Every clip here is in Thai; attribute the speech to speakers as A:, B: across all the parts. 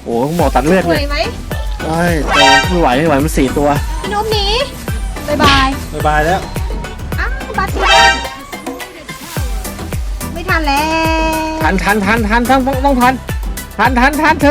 A: โอ้หมอตัดเลือด
B: ส
A: เล
B: วย
A: ย
B: ไหม
A: ใช่แต่ไม่ไหวมัน4 ตัว
B: พี่นุ๊กหนีบายบาย
C: บ๊ายบายแล้ว
B: อ้าวบัตรบ้านไม่ทันแล้ว
A: ทันต้องทันเธอ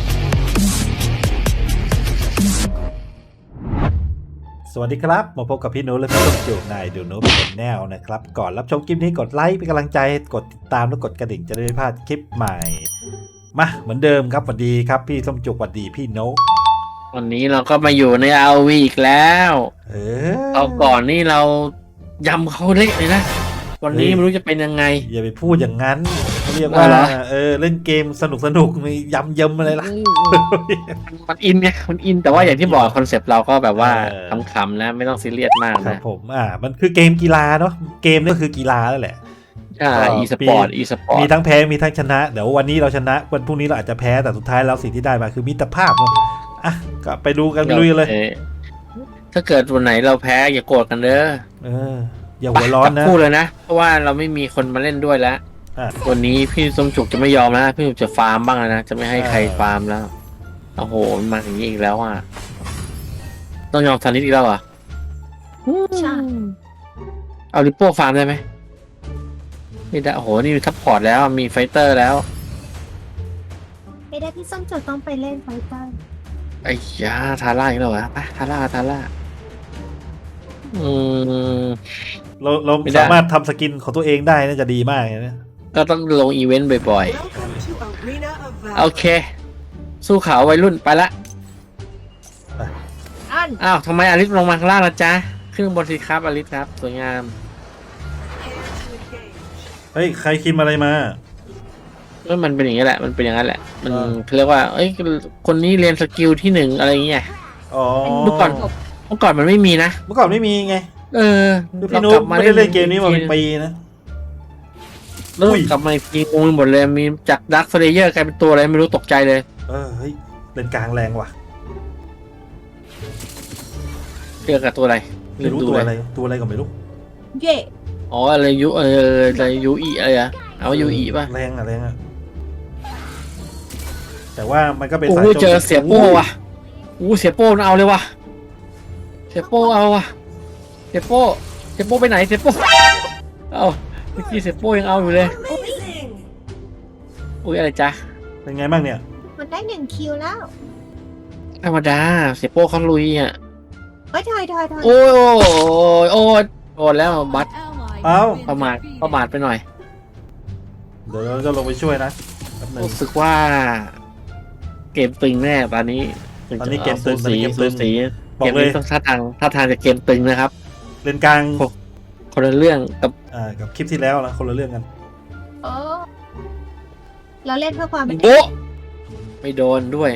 C: สวัสดีครับมาพบกับพี่นุ๊กและพี่ต้มจุกในดูนุ๊กเป็นแนวนะครับก่อนรับชมคลิปนี้กดไลค์เป็นกำลังใจกดติดตามและกดกระดิ่งจะได้ไม่พลาดคลิปใหม่มาเหมือนเดิมครับสวัสดีครับพี่ต้มจุกสวัสดีพี่นุ๊ก
A: วันนี้เราก็มาอยู่ใน RV อีกแล้วเอาก่อนนี่เรายำเขาเละเลยนะวันนี้ไม่รู้จะเป็นยังไง
C: อย่าไปพูดอย่างนั้นเขาเรียกว่า
A: เหรอ
C: เล่นเกมสนุกมียำเยิมอะไรล่ะ
A: มันอินไงมันอินแต่ว่าอย่างที่บอกคอนเซปต์เราก็แบบว่า
C: เออ
A: ขำๆนะไม่ต้องซีเรียสมาก
C: ครับ
A: นะ
C: ผมมันคือเกมกีฬาเนาะเกมนี่ก็คือกีฬาแล้วแหละ
A: อีสปอร์ตอีสปอร์
C: มี
A: ต
C: ทั้งแพ้มีทั้งชนะเดี๋ยววันนี้เราชนะวันพรุ่งนี้เราอาจจะแพ้แต่สุดท้ายแล้วสิ่งที่ได้มาคือมิตรภาพเนาะอ่ะก็ไปดูกันไปลุยกันเลย
A: ถ้าเกิดวันไหนเราแพ้อย่าโกรธกันเด้อ
C: อย่าหัวร้อน
A: จั
C: นะ
A: บคู่เลยนะเพราะว่าเราไม่มีคนมาเล่นด้วยแล้ว
C: อ่ะ
A: วันนี้พี่สมจุกจะไม่ยอมแล้วพี่สมจุกจะฟาร์มบ้างแล้วนะจะไม่ให้ใครฟาร์มแล้วโอ้โหมันมาอย่างนี้อีกแล้วอ่ะต้องยอมทันนิดอีกแล้วอ่ะ
B: ใช่
A: เอาลิปโป้ฟาร์มได้ไหมไม่ได้โอ้โหนี่มีซัพพอร์ตแล้วมีไฟเตอร์แล้ว
B: ไม่ได้พี่ส้มจุดต้องไปเล่นไฟเตอร์
A: ไอ้ยาทาร่าอีกแล้วเหรอไปทาร่าอืม
C: เรา
A: ไม่ได้
C: สามารถทำสกินของตัวเองได้น่าจะดีมากเลยนะ
A: ก็ต้องลงอีเวนต์บ่อย
D: Welcome to Arena of
A: ๆโอ
D: Valor.
A: เค สู้เขาวัยรุ่นไปละ
B: อัน
A: อ้าวทำไมอลิสลงมาข้างล่างล่ะจ๊ะขึ้นบนสิครับอลิสครับสวยงาม
C: เฮ้ยใครคิมอะไรมา
A: มันเป็นอย่างนี้แหละมันเป็นอย่างนั้นแหละมัน
C: อ่า
A: เขาเรียกว่าเอ้ยคนนี้เรียนสกิลที่1อะไรอย่างเงี้ย
C: อ๋อ
A: เมื่อก่อนมันไม่มีนะ
C: เมื่อก่อนไม่มีไง
A: เออ
C: คือพี่นุ๊กไม่ได้เล่นเกมนี้มาเป็นปีนะ
A: เริ่มกลับมาทีงงหมดเลยมีจากดักสเลเยอร์กลายเป็นตัวอะไรไม่รู้ตกใจเลย
C: เฮ้ยเล่นกลางแรงว่ะ
A: เรียกกับตัวอะไร
C: ไม่รู้
A: ดู
C: ตัว
A: เลย
C: อะไรตัวอะไรก็ไม่รู้
B: เย่
A: อ๋ออะไรยุอะไรยูอีอะไรอะเอายูอีป่ะ
C: แรงอะแต่ว่ามันก็เป็น
A: โอ้
C: สาย
A: โห
C: โจม
A: เจอเสียโป้ว่ะโอ้เสียโป้มันเอาเลยว่ะเสียโป้เอาว่ะเสียโป้ไปไหนเสียโป้เอาเมื่อกี้เสียโป้ยังเอาอยู่เลย
D: Amazing.
A: อุ้ยอะไรจ๊ะ
C: เป็นไงบ้างเนี่ย
B: มันได้1 คิวแล้ว
A: ธรรมดาเสียโป้เขาลุยอ่ะ
B: เฮ้ยถอย
A: โอ้ยโอ้แล้วบัต
C: เอ้า
A: ประมาทไปหน่อย
C: เดี๋ยวเราจะลงไปช่วยนะแป๊บหนึง
A: รู้สึกว่า เกมตึงแน่ตอนนี้
C: ตอนนี้เกมตึง
A: สูสี
C: ตอนนี้เกมตึง
A: สูสี
C: บอ
A: เก
C: ก
A: ม
C: เลย
A: นี้ต้องท่าทางจะเกมตึงนะครับ
C: เล่นกลาง
A: คนละเรื่องกับ
C: กับคลิปที่แล้วนะคนละเรื่องกัน
B: โอ้เราเล่นเพื่อความเป็น
A: โบ๊ะไม่โดนด้วย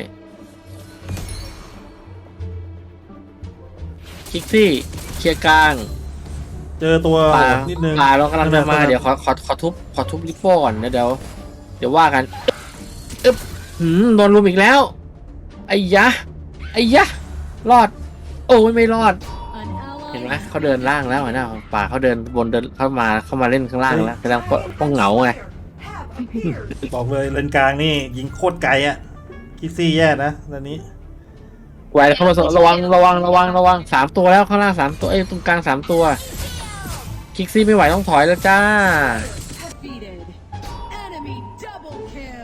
A: คิกซี่เคลียร์กลาง
C: เจอตัว
A: ป่า
C: โหดนิดนึง
A: ป่าเรากำลังจะมา
C: ไม่เป็นไร
A: เดี๋ยวขอทุบลิปโป้ก่อนนะเดี๋ยวว่ากันอึ๊บโดนลุมอีกแล้วไอ้ยะรอด โอ้ยไม่รอด เห็นไหมเขาเดินล่างแล้วนะป่าเขาเดินบนเดินเข้ามาเล่นข้างล่างแล้วแสดงว่าเหงาไง
C: บอกเลยเลนกลางนี่ยิงโคตรไกลอ่ะคิกซี่แย่นะตอนนี้
A: ไว้เข้ามาระวัง3 ตัวแล้วข้างล่าง3 ตัวตรงกลาง3 ตัวคิกซี่ไม่ไหวต้องถอยแล้วจ้า
D: Defeated. Enemy double kill.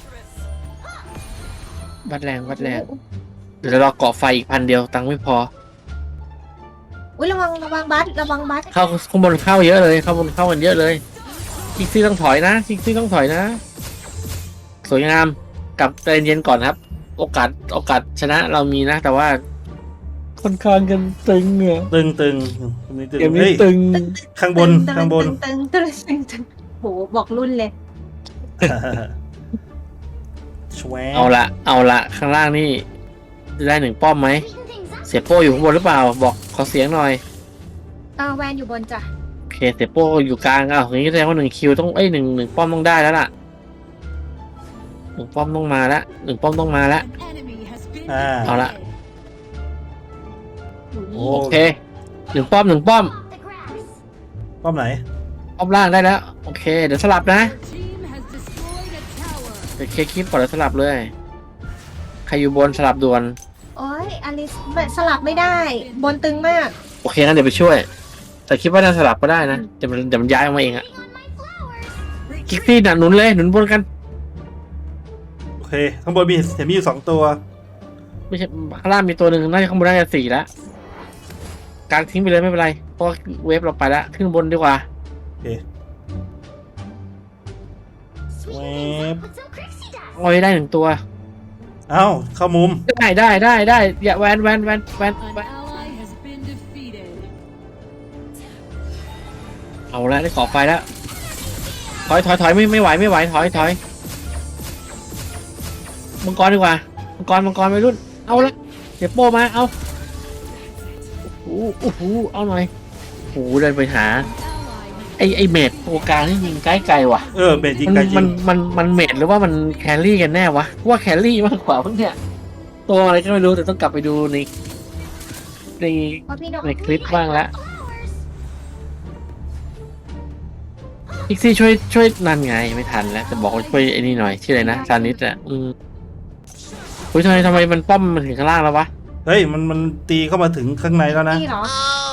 A: วัดแรงเดี๋ยวเราเกาะไฟอีก1,000ตังค์ไม่พอ
B: อุ้ยระวังบัตระวังบัต
A: เข้าข้างบนเข้าเยอะเลยเข้าบนเข้ากันเยอะเลยคิกซี่ต้องถอยนะสวยงามกลับใจเย็นก่อนครับ โอกาสชนะเรามีนะ แต่ว่าค่อนข้างกันตึงเนี่ย
C: ตึงเกม
A: เกมนี้
C: เฮ้ย
A: ตึง
C: ข้างบน
B: ตึงโหบอกรุ่นเลย
C: แชว
A: เอาละข้างล่างนี่จะได้1 ป้อมไหมเสียโป้อยู่ข้างบนหรือเปล่าบอกขอเสียงหน่อย
B: แวนอยู่บนจ้ะ
A: โอเคเสียโป้อยู่กลางอย่างนี้แสดงว่า1 คิวต้องหนึ่งป้อมต้องได้แล้วล่ะ1 ป้อมต้องมาแล้ว1 ป้อมต้องมาแล้ว
D: An enemy has been
A: เอาละ
C: โอ้
A: โอเค1 ป้อม
C: ป้อมไหน
A: ป้อมล่างได้แล้วโอเคเดี๋ยวสลับนะ
D: Your team has destroyed a tower.
A: เดี๋ยวเคลียร์คลิปก่อนแล้วสลับเลยใครอยู่บนสลับด่วน
B: โอ้ยอลิสสลับไม่ได้ บนตึงมาก
A: โอเคงั้นเดี๋ยวไปช่วย แต่คิดว่าน่าสลับก็ได้นะเดี๋ยวมันย้ายออกมาเองอะคิกซี่น่ะหนุนเลยหนุนบนกัน
C: โอเคข้างบนเห็นมีอยู่2 ตัว
A: ไม่ใช่ข้างล่างมีตัวหนึ่งน่าจะข้างบนน่าจะ4แล้วกางทิ้งไปเลยไม่เป็นไรเพราะเวฟเราไปแล้วขึ้นบนดีกว่า
C: โอเคแวบ
A: โอ้ยได้1ตัว
C: เอ้าเข้ามุม
A: ได้อย่าแวน
D: An ally has been defeated.
A: เอาแล้วได้ขอไฟแล้วถอยไม่ไหวถอยมังกรดีกว่ามังกรไปรุ่นเอาละเดี๋ยวโป้มาเอาโอ้โหเอาหน่อยโอ้โหเดินไปหา
D: An ally has
A: ไอเมดตัวกลางนี่ยิงไกลว่ะ
C: เบนยิงไกลจริง
A: มันเมดหรือว่ามันแครี่กันแน่วะว่าแครี่มากกว่าเพิ่งเนี่ยตัวอะไรก็ไม่รู้แต่ต้องกลับไปดูใน
B: เพราะพี่นก
A: ในคลิปบ้างละพิกซี่ช่วยนั่นไงไม่ทันแล้วจะบอกว่าช่วยไอ้นี่หน่อยชื่ออะไรนะซานิสอ่ะอุ้ยทำไมมันป้อมมันถึงข้างล่างแล้ววะ
C: เฮ้ยมันตีเข้ามาถึงข้างในแล้วนะ
B: พี่เหรอ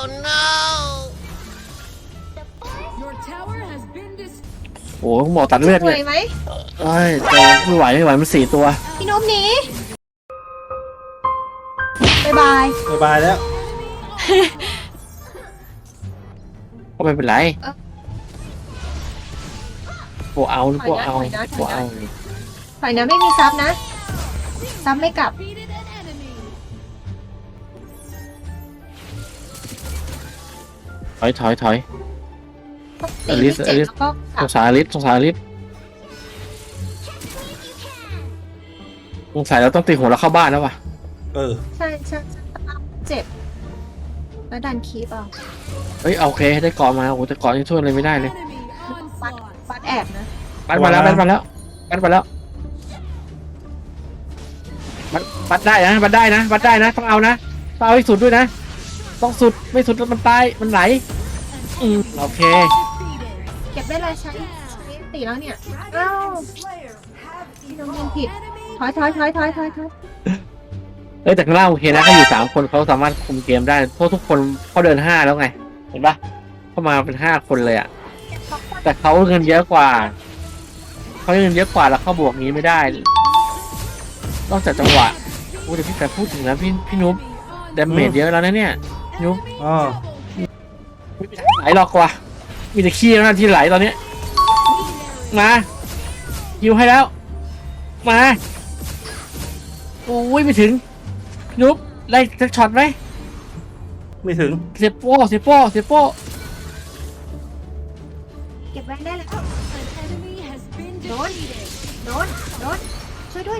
D: your tower has been destroyed.
A: โอ้โหหมอตัดเลือด
B: ส
A: เล
B: วย ยไหม
A: เอ้ยไม่ไหวมัน4 ตัว
B: พี่นกหนีบายบาย
C: บ๊ายบายแล้ว
A: ก็ไม่เป็นไรพวกเอา
B: ถอยนะ ถอยนะไม่มีซับนะซับไม่กลับ
D: Defeated an enemy.
A: ถอย
B: ตีไม่เจ็บแล้วก็ก
A: ส
B: ลับ
A: งสารอลิสสงสัยเราต้องตีหัวเราเข้าบ้านแล้ววะ
B: ใช่เจ็บ แล้วดันคีบอ่ะ
A: เฮ้ยโอเคได้เกาะมาโอ้โหแต่เกาะนี่ช่วยอะไรไม่ได้เลย
D: Enemy
B: ฟัด
D: onslaught.
B: ฟัดแอบนะ
A: ปัดมาแล้วปัดได้นะต้องเอานะต้องเอาให้สุดด้วยนะต้องสุดไม่สุดแล้วมันตายมันไหลโอเค
D: Defeated.
B: เก็บได้เลยใช้ตีแล้วเนี่ยเอ้าพี่นกยิงผิดถอย
A: เอ้ยแต่ข้างล่างโอเคนะเขาอยู่3 คนเขาสามารถคุมเกมได้เพราะทุกคนเขาเดิน5แล้วไงเห็นปะเข้ามาเป็น5 คนเลยอะแต่เขาเงินเยอะกว่าแล้วเขาบวกนี้ไม่ได้นอกจากจังหวะโอ้เดี๋ยวพี่แต่พูดถึงนะพี่นุ๊บดาเมจเยอะแล้วนะเนี่ยนุ๊บ
C: อ๋อ
A: ไม่มีทางไหลหรอกว่ะมีแต่ขี้แล้วนะที่ไหลตอนเนี้ยมายิวให้แล้วมาโอ้ยไม่ถึงนุ๊บได้สักช็อตไหม
C: ไม่ถึง
A: เสียโป้
B: เก็บไว้ได้แล้ว
D: An enemy has been
B: Đốn.
D: defeated.
B: โดนช่วยด้วย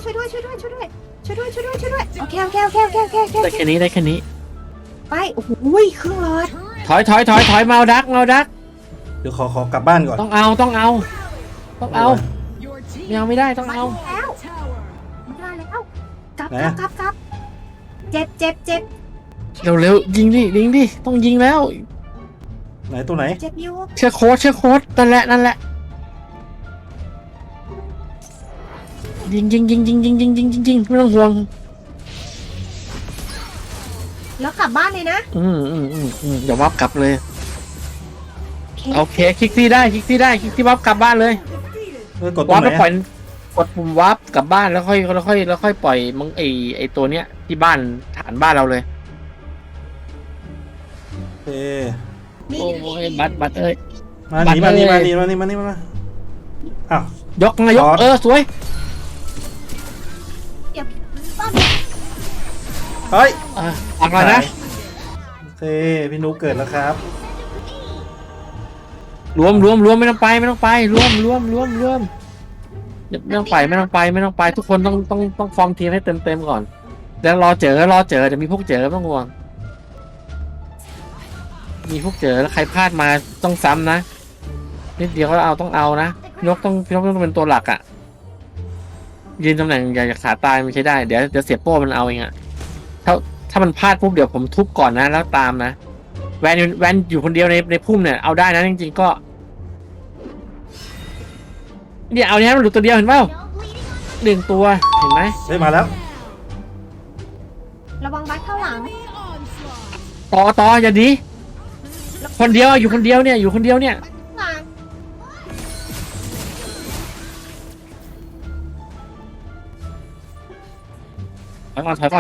B: โอเค
A: ได้แค่นี้
B: ไปโอ้โหครึ่งหลอด
D: Turret
A: ถอยเมาดัก
C: เดี๋ยวขอกลับบ้านก่อน
A: ต้องเอา
D: your team
A: ยังไม่ได้ต้องเอา
B: แล้ว
D: tower.
B: ไม่ได้แล้วกลับเจ็บ
A: เร็วยิงดิต้องยิงแล้ว
C: ไหนตัวไหน
B: เจ็บอยู่
A: เชื่อโค้ดนั่นแหละยิงไม่ต้องห่วง
B: แล้วกลับบ้านเลยนะ
A: เดี๋ยววับกลับเลย
B: โอเค
A: โอเคคลิกที่วับกลับบ้านเลย
C: กดตร
A: วั
C: ง
A: บ
C: ไหน
A: แล้วปล่อยกดปุ่มวับกลับบ้านแล้วค่อยปล่อยมึงไอตัวเนี้ยที่บ้านฐานบ้านเราเลย
C: โอเค
B: นี่
A: โอ้ยบัตรเอ้ย
C: มาหนีมาอ้าวย
A: กสวย
B: เดี๋ยวป้อม
C: เฮ้ย
A: อักเลยนะ
C: โอเคพี่นุ๊กเกิดแล้วครับ
A: รวมไม่ต้องไปรวมไม่ต้องไปทุกคนต้องฟอร์มทีมให้เต็มก่อนแล้วรอเจอจะมีพวกเจอไม่ต้องห่วงมีพวกเจอแล้วใครพลาดมาต้องซ้ำนะนิดเดียวก็ต้องเอานะพี่นกต้องเป็นตัวหลักอ่ะยืนตำแหน่งอย่าขาตายไม่ใช่ได้เดี๋ยวเสียโป้มันเอาเองอ่ะถ้ามันพลาดปุ๊บเดี๋ยวผมทุบก่อนนะแล้วตามนะแวนอยู่คนเดียวในพุ่มเนี่ยเอาได้นะจริงๆก็เนี่ยเอาเนี้ยมันหลุดตัวเดียวเห็นเปล่า1 ตัวเห็นไหม
C: เฮ้ยมาแล้ว
B: ระวังบัสเข้าหลัง
D: Enemy onslaught.
A: ต่ออย่าดีคนเดียวอยู่คนเดียวเนี่ยอยู่คนเดียวเนี่ย
B: หลัง
A: ถอยก่อน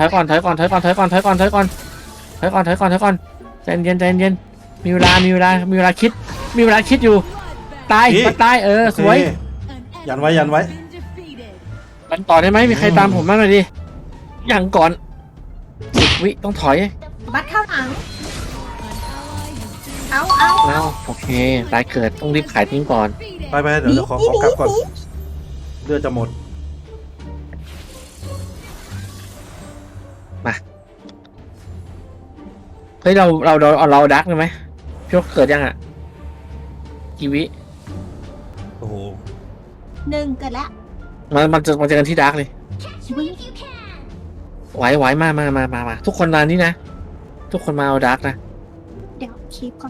A: ใจเย็นมีเวลาคิดอยู่ ตายสวย
D: An
C: ยันไว้
D: enemy has been defeated.
A: มันต่อได้ไหมมีใครตามผมบ้างหน่อยดิอย่างก่อน10 วิต้องถอย
B: บัสเข้าหลัง
D: An ally has been
B: เอา
A: โอเคตายเกิดต้องรีบขายทิ้งก่อน
D: defeated.
C: ไปเดี๋ยวขอกลับก่อนเลือดจะหมด
A: เฮ้ยเราดักเลยไหมพี่ว่าเกิดยังอ่ะกี่วิ
C: โอ้โห
B: 1เกิดแล้ว
A: มันเจอกันที่ดักเลยไหวมาทุกคนมานี่นะทุกคนมาเอาดักนะ
B: เดี๋ยวคีบก่อน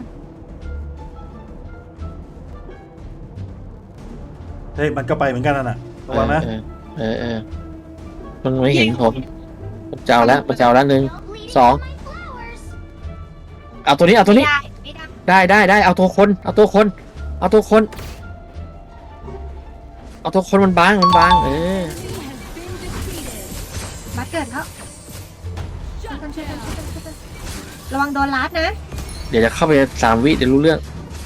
C: เฮ้ยมันก็ไปเหมือนกันน่ะระวังนะ
A: มันไม่เห็นผมเจ้าแล้ว1 2เอาตัวนี้
B: ไม่ได้
A: ได้เอาตัวคนมันบาง
D: Enemy has been defeated.
B: บัสเกิดแล้ว
D: Shut down.
B: ระวังโดนลัดนะ
A: เดี๋ยวจะเข้าไป3 วิเดี๋ยวรู้เรื่อง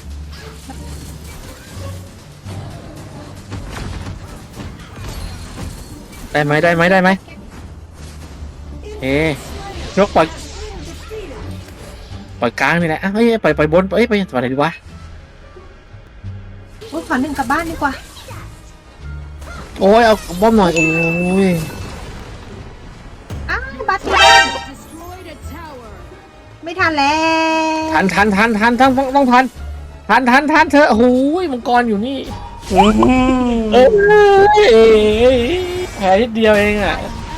A: ได้ไหมยกปล่อยกลางนี่แหละเฮ้ยปล่อยบนไปไหนดีวะ
B: ขอ1กลับบ้านดีกว่า
A: โอ้ยเอาบอมหน่อยโอ้ย
B: อ้าวบัส
D: Destroyed a tower.
B: ไม่ทันแล้ว
A: ทันต้องทันเธอโอ้ยมังกรอยู่นี่แผลนิดเดียวเองอ่ะ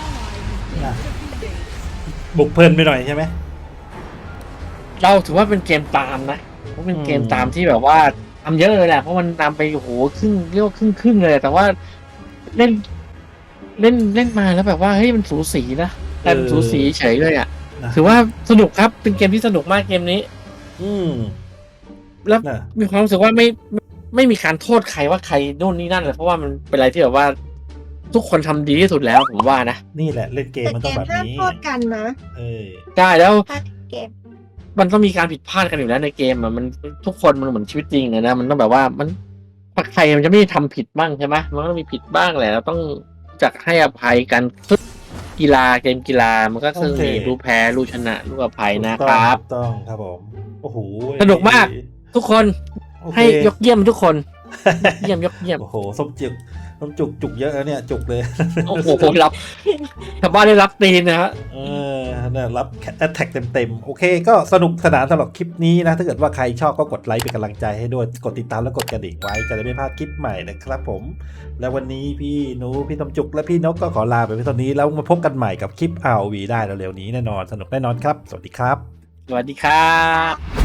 C: บุกเพลินไปหน่อยใช่ไหม
A: เราถือว่าเป็นเกมตามนะเพราะเป็นเกมตามที่แบบว่าทำเยอะเลยแหละเพราะมันนำไปโอ้โหเรียกว่าครึ่งเลยแต่ว่าเล่นมาแล้วแบบว่าเฮ้ยมันสูสีนะแต่มันสูสีเฉยเลยอ่ะถือว่าสนุกครับเป็นเกมที่สนุกมากเกมนี้ แล้ว
C: น่ะ
A: มีความรู้สึกว่าไม่มีการโทษใครว่าใครโน่นนี่นั่นเลยเพราะว่ามันเป็นอะไรที่แบบว่า ทุกคนทำดีที่สุดแล้วผมว่านะ
C: นี่แหละเล่นเกม
B: แต่
C: มัน
B: เก
C: ต้อง
B: ม
C: แบบ
B: ห้าม
C: นี้
B: โทษกันนะ
C: เออ
A: ได้แล้ว
B: ถ้าเกม
A: มันต้องมีการผิดพลาดกันอยู่แล้วในเกมอ่ะมันทุกคนมันเหมือนชีวิตจริงอะนะมันต้องแบบว่ามันใครมันจะไม่ทำผิดบ้างใช่ไหมมันก็ต้องมีผิดบ้างแหละเราต้องจักให้อภัยกันทุกเกมกีฬามันก็คือมีรู้แพ้รู้ชนะรู้อภัยนะครับ
C: ถูกต้องครับผมโอ้โห
A: สนุกมาก ทุกคน
C: โอเค
A: ให้ยกเยี่ยมทุกคนเยี่ยม
C: โอ้โหส้มจุกเยอะแล้วเนี่ยจุกเลย
A: โอ้โหรับชาวบ้านได้รับตีนนะฮะ
C: เนี่ยรับแอตแทกเต็มโอเคก็สนุกสนานสำหรับคลิปนี้นะ ถ้าเกิดว่าใครชอบก็กดไลค์เป็นกำลังใจให้ด้วยกดติดตามและกดกระดิ่งไว้จะได้ไม่พลาดคลิปใหม่นะครับผม แล้ววันนี้พี่หนูพี่ต้มจุกและพี่นกก็ขอลาไปเพียงเท่านี้แล้วมาพบกันใหม่กับคลิป ROV ได้เร็วๆนี้แน่นอนสนุกแน่นอนครับสวัสดีครับ
A: สวัสดีครับ